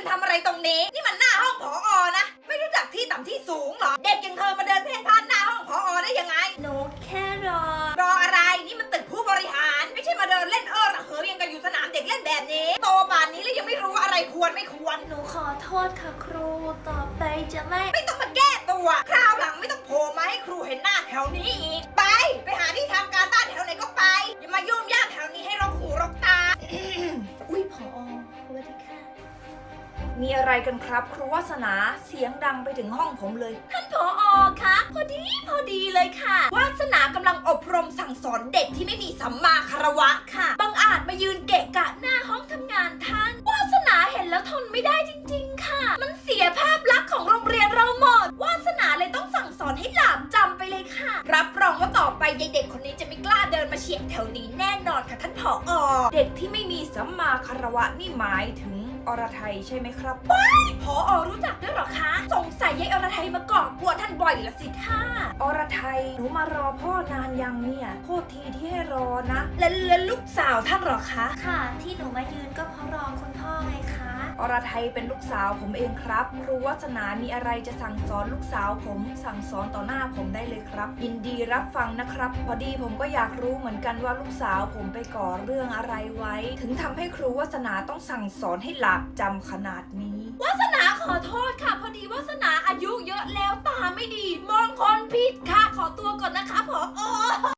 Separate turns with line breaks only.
ทำอะไรตรงนี้นี่มันหน้าห้องผอ.นะไม่รู้จักที่ต่ำที่สูงเหรอเด็กอย่างเธอมาเดินเพ่นพ่านหน้าห้องผอ.ได้ยังไง
หนูแค่
รออะไรนี่มันตึกผู้บริหารไม่ใช่มาเดินเล่นระเหยยังกันอยู่สนามเด็กเล่นแบบนี้โตป่านนี้แล้วยังไม่รู้อะไรควรไม่ควร
หนูขอโทษค่ะครูต่อไปจะไม่
ต้องมาแก้ตัวคราวหลังไม่ต้องโผล่มาให้ครูเห็นหน้าแถวนี้อีกไปหาที่ทำการบ้านแถวไหนก็ไปอย่ามายุ่งยากแถวนี้ให้รกหูรกตา
อุ้ยผอ.สวัสดีค่ะ
มีอะไรกันครับครูวาสนาเสียงดังไปถึงห้องผมเลย
ท่านผอ.คะพอดีเลยค่ะ
วาสนากำลังอบรมสั่งสอนเด็กที่ไม่มีสัมมาคารวะค่ะ
บังอาจมายืนเกะกะหน้าห้องทำงานท่านวาสนาเห็นแล้วทนไม่ได้จริงๆค่ะมันเสียภาพลักษณ์ของโรงเรียนเราหมดวาสนาเลยต้องสั่งสอนให้หลาบจำไปเลยค่ะ
รับรองว่าต่อไปยายเด็กคนนี้จะไม่กล้าเดินมาเฉียดแถวนี้แน่นอนค่ะท่านผอ.เด็กที่ไม่มีสัมมาคารวะนี่หมายถึงอรไทยใช่ไหมครับ
ผอ.รู้จักด้วยเหรอคะสงสัยยายอรไทยมาก่อกวนท่านบ่อยละสิท่า
อรไทยหนูมารอพ่อนานยังเนี่ยโทษทีที่ให้รอนะแล้วลูกสาวท่านเหรอคะ
ค่ะที่หนูมายืนก็เพราะรอคุณพ่อไงคะ
อรไทยเป็นลูกสาวผมเองครับครูวัฒนามีอะไรจะสั่งสอนลูกสาวผมสั่งสอนต่อหน้าผมได้เลยครับยินดีรับฟังนะครับพอดีผมก็อยากรู้เหมือนกันว่าลูกสาวผมไปก่อเรื่องอะไรไว้ถึงทำให้ครูวัฒนาต้องสั่งสอนให้หลาบจำขนาดนี้
วาสนาขอโทษค่ะพอดีวาสนาอายุเยอะแล้วตาไม่ดีมองคนผิดค่ะขอตัวก่อนนะคะผอ